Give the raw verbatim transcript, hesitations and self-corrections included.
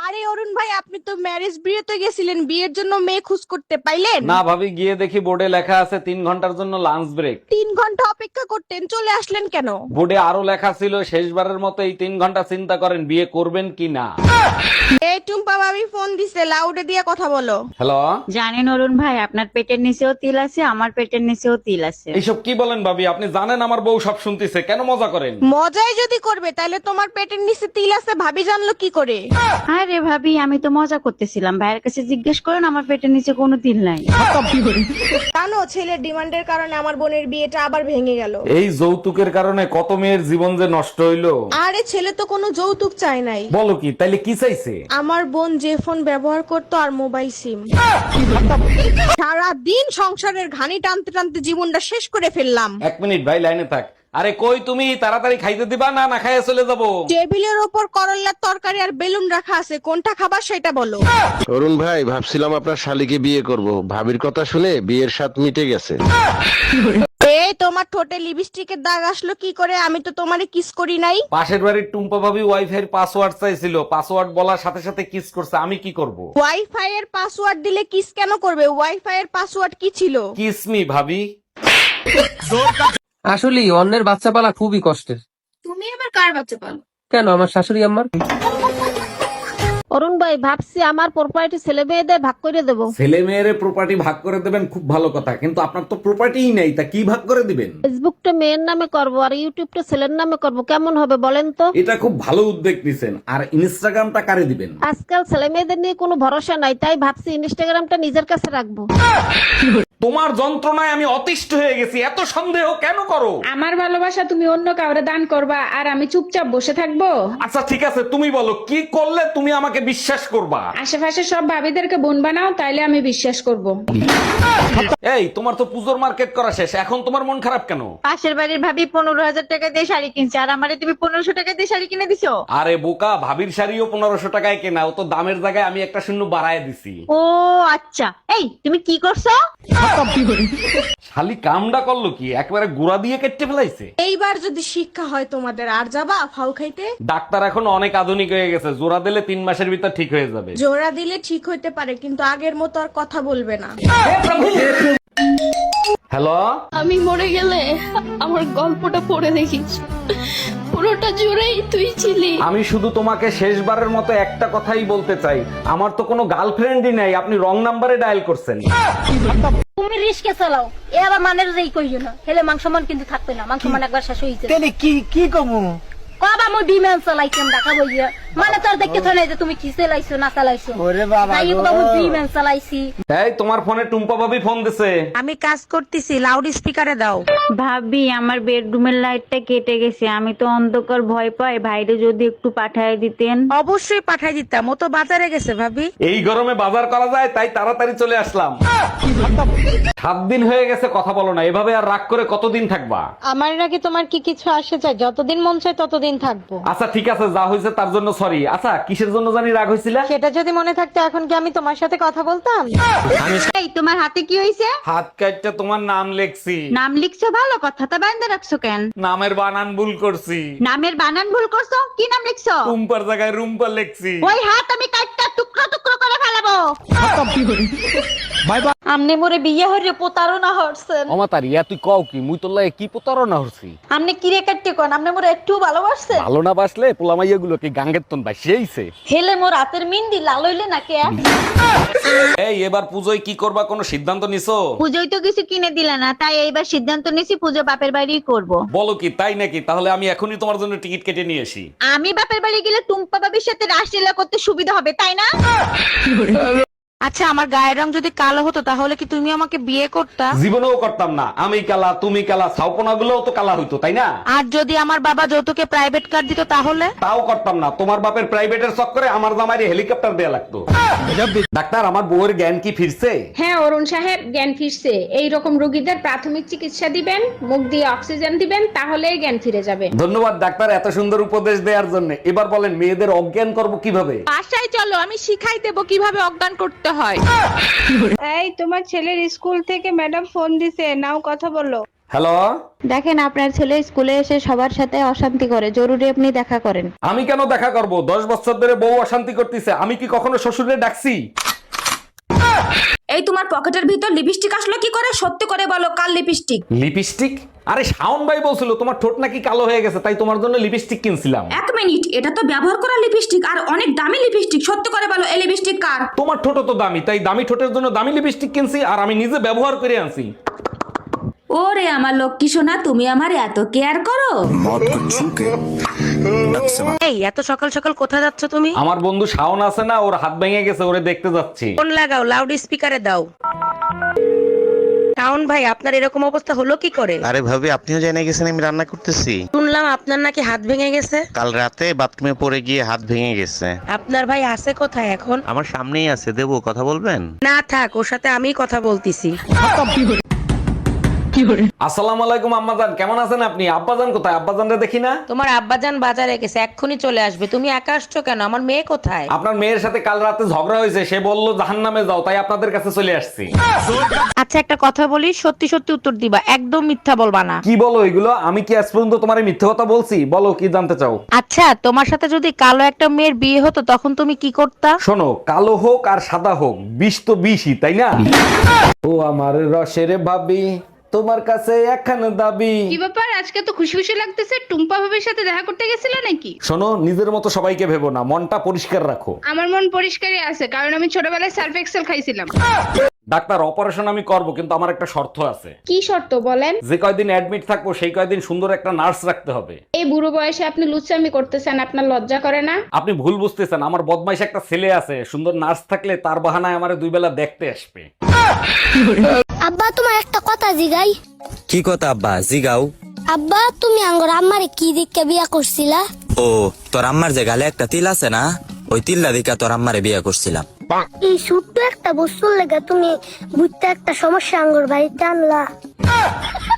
আরে অরুণ ভাই, আপনি তো ম্যারেজ বিয়েতে গেছিলেন, বিয়ের জন্য মেয়ে খোঁজ করতে পাইলেন? না ভাবি, গিয়ে দেখি বোর্ডে লেখা আছে তিন ঘন্টার জন্য লাঞ্চ ব্রেক। তিন ঘন্টা অপেক্ষা করতেন, চলে আসলেন কেন? বোর্ডে আরো লেখা ছিল শেষবারের মতো এই তিন ঘন্টা চিন্তা করেন বিয়ে করবেন কি না। এই টুম্পা ভাবি ফোন দিছে, লাউডে দিয়ে কথা বলো। হ্যালো, জানেন অরুণ ভাই, আপনার পেটের নিচেও তিল আছে, আমার পেটের নিচেও তিল আছে। এইসব কি বলেন ভাবি? আপনি জানেন আমার বউ সব শুনতেছে, কেন মজা করেন? মজাই যদি করবে তাহলে তোমার পেটের নিচে তিল আছে ভাবি জানলো কি করে? আরে ভাবি, আমি তো মজা করতেছিলাম, ভাইয়ের কাছে জিজ্ঞেস করেন, আমার পেটের নিচে কোনো তিল নাই। জানো, ছেলের ডিমান্ডের কারণে আমার বোনের বিয়েটা আবার ভেঙে গেল। এই যৌতুকের কারণে কত মেয়ের জীবন যে নষ্ট হইলো। আরে ছেলে তো কোনো যৌতুক চায় নাই। বলো কি, তাইলে কি চাইছে? আমার বোন যে ফোন ব্যবহার করতো আর মোবাইল সিম। সারা দিন সংসারের ঘানি টানতে টানতে জীবনটা শেষ করে ফেললাম। এক মিনিট ভাই, লাইনে থাক। আরে কই তুমি, তাড়াতাড়ি খাইতে দিবা না না খাইয়ে চলে যাবো? টেবিলের ওপর করল্লার তরকারি আর বেলুন রাখা আছে, কোনটা খাবার সেটা বলো। অরুণ ভাই, ভাবছিলাম আপনার শালিকে বিয়ে করব, ভাবির কথা শুনে বিয়ের স্বাদ মিটে গেছে। এই তোমার ঠোঁটে লিপস্টিকের দাগ আসলো কি করে? আমি তো তোমারে কিস করি নাই। পাশের বাড়ির টুম্পা ভাবি ওয়াইফাই এর পাসওয়ার্ড চাইছিল, পাসওয়ার্ড বলার সাথে সাথে কিস করছে, আমি কি করব? ওয়াইফাই এর পাসওয়ার্ড দিলে কিস কেন করবে? ওয়াইফাই এর পাসওয়ার্ড কি ছিল? কিস মি ভাবি। আসলে অন্যের বাচ্চা পালা খুবই কষ্টের। তুমি আবার কার বাচ্চা পালো? কেন, আমার শাশুড়ি আম্মার। অরুণ ভাই, ভাবছি আমার প্রপার্টি ছেলে মেয়েদের ভাগ করে দেবো। ছেলে মেয়ের প্রপার্টি ভাগ করে দেবেন, খুব ভালো কথা, কিন্তু আপনার তো প্রপার্টিই নেই, তা কি ভাগ করে দিবেন? ফেসবুকটা মেয়ের নামে করব আর ইউটিউবটা ছেলের নামে করব, কেমন হবে বলেন তো? এটা খুব ভালো উদ্যোগ নিছেন। আর ইনস্টাগ্রামটা কারে দিবেন? আজকাল ছেলে মেয়েদের নিয়ে কোনো ভরসা নাই, তাই ভাবছি ইনস্টাগ্রামটা নিজের কাছে রাখবো। তোমার যন্ত্রণায় আমি অতিষ্ঠ হয়ে গেছি, এত সন্দেহ কেন করো? আমার ভালোবাসা তুমি অন্য কাউরে দান করবা আর আমি চুপচাপ বসে থাকবো? আচ্ছা ঠিক আছে, তুমি বলো কি করলে তুমি আমাকে বিশ্বাস করবা? আশেপাশে সব ভাবিদেরকে বোন বানাও, তাইলে আমি বিশ্বাস করব। এই, তোমার তো পুজোর মার্কেট করা শেষ, এখন তোমার মন খারাপ কেন? পাশের বাড়ির ভাবি পনেরো হাজার টাকা দিয়ে শাড়ি কিনছে, আর আমারে তুমি পনেরোশো টাকা দিয়ে শাড়ি কিনে দিছো। আরে বোকা, ভাবির শাড়িও পনেরোশো টাকায় কেনা, ও তো দামের জায়গায় আমি একটা শূন্য বাড়ায় দিছি। ও আচ্ছা, এই তুমি কি করছো? শালি কামডা করলো কি, একবারে গুড়া দিয়ে কেটে ফেলাইছে। এইবার যদি শিক্ষা হয় তোমাদের, আর যাবা ফাউ খাইতে? ডাক্তার এখন অনেক আধুনিক হয়ে গেছে, জোড়া দিলে তিন মাসের ভিতর ঠিক হয়ে যাবে। জোড়া দিলে ঠিক হইতে পারে, কিন্তু আগের মতো আর কথা বলবে না। হ্যালো, আমি মরে গেলে আমার গল্পটা পড়ে দেখিস, পুরোটা জুড়েই তুই ছিলি। আমি শুধু তোমাকে শেষবারের মতো একটা কথাই বলতে চাই, আমার তো কোনো গার্লফ্রেন্ডই নাই, আপনি রং নাম্বারে ডায়াল করছেন। তুমি রিস্কে চালাও, এ আবার মানের যেই কইও না, হেলে মাংস মান কিন্তু থাকবে না, মাংস মান একবার শেষ হইছে। তাহলে কি কি কমু? কবা মই বিমান চালাইছিলাম দেখাবো গিয়া, মানে তোর দেখতে থই নাই যে তুমি কি চালাইছো না চালাইছো। ওরে বাবা তাই গো। কবা মই বিমান চালাইছি। এই, তোমার ফোনে টুম্পা ভাবি ফোন দিছে। আমি কাজ করতেছি, লাউড স্পিকারে দাও। ভাবি, আমার বেডরুমের লাইটটা কেটে গেছে, আমি তো অন্ধকার ভয় পাই, ভাইরে যদি একটু পাঠায় দিতেন। অবশ্যই পাঠাই দিতাম, ও তো বাজারে গেছে ভাবি। এই গরমে বাজার করা যায়, তাই তাড়াতাড়ি চলে আসলাম। সাত দিন হয়ে গেছে কথা বলো না, এভাবে আর রাগ করে কতদিন থাকবা? আমার নাকি তোমার কি কিছু আসে চাই? যতদিন মন চায় ততদিন থাকবো। আচ্ছা ঠিক আছে, যা হয়েছে তার জন্য সরি। আচ্ছা, কিসের জন্য জানি রাগ হয়েছিল? সেটা যদি মনে থাকতো এখন কি আমি তোমার সাথে কথা বলতাম? এই, তোমার হাতে কি হয়েছে? হাত কাটটা তোমার নাম লেখছি। নাম লিখছো, ভালো কথা, তা বান্ধে রাখছো কেন? নামের বানান ভুল করছি। নামের বানান ভুল করছো? কি নাম লিখছো? রুম্পার জায়গায় রুম্পা লেখছি। ওই হাত আমি কাটটা টুকরো টুকরো করে ফেলাবো। আমনে মোরে বিয়ে হইরে প্রতারণা হরছেন। অমাতারিয়া, তুই কও কি? মুই তোর লাগে কি প্রতারণা হচ্ছি? আমনে কিরে কাটতে কোন, আমনে মোরে একটু ভালোবাসছেন? ভালো না বাসলে পোলামাইয়া গুলো কি গাঙ্গের তন বাসিয়েছে? হেলে মোর রাতের মিন্দি লাল হইলে নাকি? এই, এবার পুজোয় কি করবা, কোনো সিদ্ধান্ত নিছো? পুজোয় তো কিছু কিনে দিলে না, তাই এইবার সিদ্ধান্ত নিয়েছি পুজো বাপের বাড়িই করব। বলো কি, তাই নাকি? তাহলে আমি এখনই তোমার জন্য টিকিট কেটে নিয়ে আসি। আমি বাপের বাড়ি গেলে টুম্পা বাবির সাথে রাসলীলা করতে সুবিধা হবে, তাই না? আচ্ছা, আমার গায়ের রং যদি কালো হতো তাহলে কি তুমি আমাকে বিয়ে করতা? জীবনেও করতাম না। আমি কালা, তুমি কালা, ছাউপনা গুলোও তো কালা হইতো, তাই না? আর যদি আমার বাবা যৌতুকে প্রাইভেট কার দিত তাহলে? তাও করতাম না। তোমার বাপের প্রাইভেটের চক্করে আমার জামাইরে হেলিকপ্টার দেয়া লাগতো। ডাক্তার, আমার বউয়ের জ্ঞান কি ফিরছে? হ্যাঁ অরুণ সাহেব, জ্ঞান ফিরছে। এই রকম রোগীদের প্রাথমিক চিকিৎসা দিবেন, মুখ দিয়ে অক্সিজেন দিবেন, তাহলেই জ্ঞান ফিরে যাবে। ধন্যবাদ ডাক্তার, এত সুন্দর উপদেশ দেওয়ার জন্য। এবার বলেন, মেয়েদের অজ্ঞান করব কিভাবে? বাসায় চলো, আমি শিখাই দেবো কিভাবে অজ্ঞান করতে হয়। এই, তোমার ছেলের স্কুল থেকে ম্যাডাম ফোন দিছে, নাও কথা বলো। হ্যালো, দেখেন আপনার ছেলে স্কুলে এসে সবার সাথে অশান্তি করে, জরুরি আপনি দেখা করেন। আমি কেন দেখা করব? দশ বছর ধরে বউ অশান্তি করতেছে, আমি কি কখনো শ্বশুরে ডাকছি? এই তোমার পকেটের ভিতর লিপস্টিক আসলো কি করে? সত্যি করে বলো, কাল লিপস্টিক? লিপস্টিক? আরে শাওন ভাই বলছিল তোমার ঠোঁট নাকি কালো হয়ে গেছে, তাই তোমার জন্য লিপস্টিক কিনছিলাম। এক মিনিট, এটা তো ব্যবহার করা লিপস্টিক আর অনেক দামি লিপস্টিক। সত্যি করে বলো, এই লিপস্টিক কার? তোমার ঠোঁট তো দামি, তাই দামি ঠোঁটের জন্য দামি লিপস্টিক কিনছি, আর আমি নিজে ব্যবহার করে আনছি। ওরে আমার লক্ষ্মী সোনা, তুমি আমার এত কেয়ার করো। এই এত সকাল সকাল কোথায় যাচ্ছ তুমি? আমার বন্ধু শাওন আছে না, ওর হাত ভেঙে গেছে, ওরে দেখতে যাচ্ছি। ফোন লাগাও, লাউড স্পিকারে দাও। শাওন ভাই, আপনার এরকম অবস্থা হলো কি করে? আরে ভাবি, আপনিও জেনে গেছেন আমি রান্না করতেছি। শুনলাম আপনার নাকি হাত ভেঙে গেছে। কাল রাতে বাথরুমে পড়ে গিয়ে হাত ভেঙে গেছে। আপনার ভাই আছে কোথায় এখন? আমার সামনেই আছে, দেবো, কথা বলবেন? না থাক, ওর সাথে আমি কথা বলতেছি। আসসালামু আলাইকুম আম্মাজান, কেমন আছেন আপনি? আব্বাজান কোথায়? আব্বাজানরে দেখি না। তোমার আব্বাজান বাজারে গেছে, এক্ষুনি চলে আসবে। তুমি একা আসছো কেন? আমার মেয়ে কোথায়? আপনার মেয়ের সাথে কাল রাতে ঝগড়া হয়েছে, সে বললো জাহান্নামে যাও, তাই আপনাদের কাছে চলে আসছি। আচ্ছা একটা কথা বলি, সত্যি সত্যি উত্তর দিবা, একদম মিথ্যা বলবা না। কি বলো এগুলো? আমি কি আজ পর্যন্ত তোমার মিথ্যে কথা বলছি? বলো কি জানতে চাও? আচ্ছা তোমার সাথে যদি কালো একটা মেয়ের বিয়ে হতো তখন তুমি কি করতা? শোনো, কালো হোক আর সাদা হোক, বিষ তো বিষই, তাই না? ও আমার রসের ভাবি, তোমার কাছে একখানা দাবি। কি ব্যাপার, আজকে তো খুশি খুশি লাগতেছে? টুম্পা ভাবির সাথে দেখা করতে গেছিলে নাকি? শোনো, নিজের মতো সবাইকে ভেবো না, মনটা পরিষ্কার রাখো। আমার মন পরিষ্কারই আছে, কারণ আমি ছোটবেলায় সার্ফ এক্সেল খাইছিলাম। ডাক্তার, অপারেশন আমি করব, কিন্তু আমার একটা শর্ত আছে। কি শর্ত বলেন? যে কয়দিন অ্যাডমিট থাকবো সেই কয়দিন সুন্দর একটা নার্স রাখতে হবে। এই বুড়ো বয়সে আপনি লুচ্চামি করতেছেন, আপনার লজ্জা করে না? আপনি ভুল বুঝতেছেন, আমার বদমাইশ একটা ছেলে আছে, সুন্দর নার্স থাকলে তার বাহানায় আমারে দুই বেলা দেখতে আসবে। আব্বা তোমার একটা কথা জিগাই। কি কথা আব্বা? জিগাও। আব্বা তুমি আঙ্গর আম্মারে কি দিকে বিয়া করছিলা? ও, তোর আম্মার যে গালে একটা তিল আছে না, ওই তিল্লা দিকা তোর আম্মারে বিয়ে করছিলাম। এই ছোট্ট একটা বস্তুর লেগে তুমি বুঝতে একটা সমস্যা আঙ্গর বাড়িতে আনলা।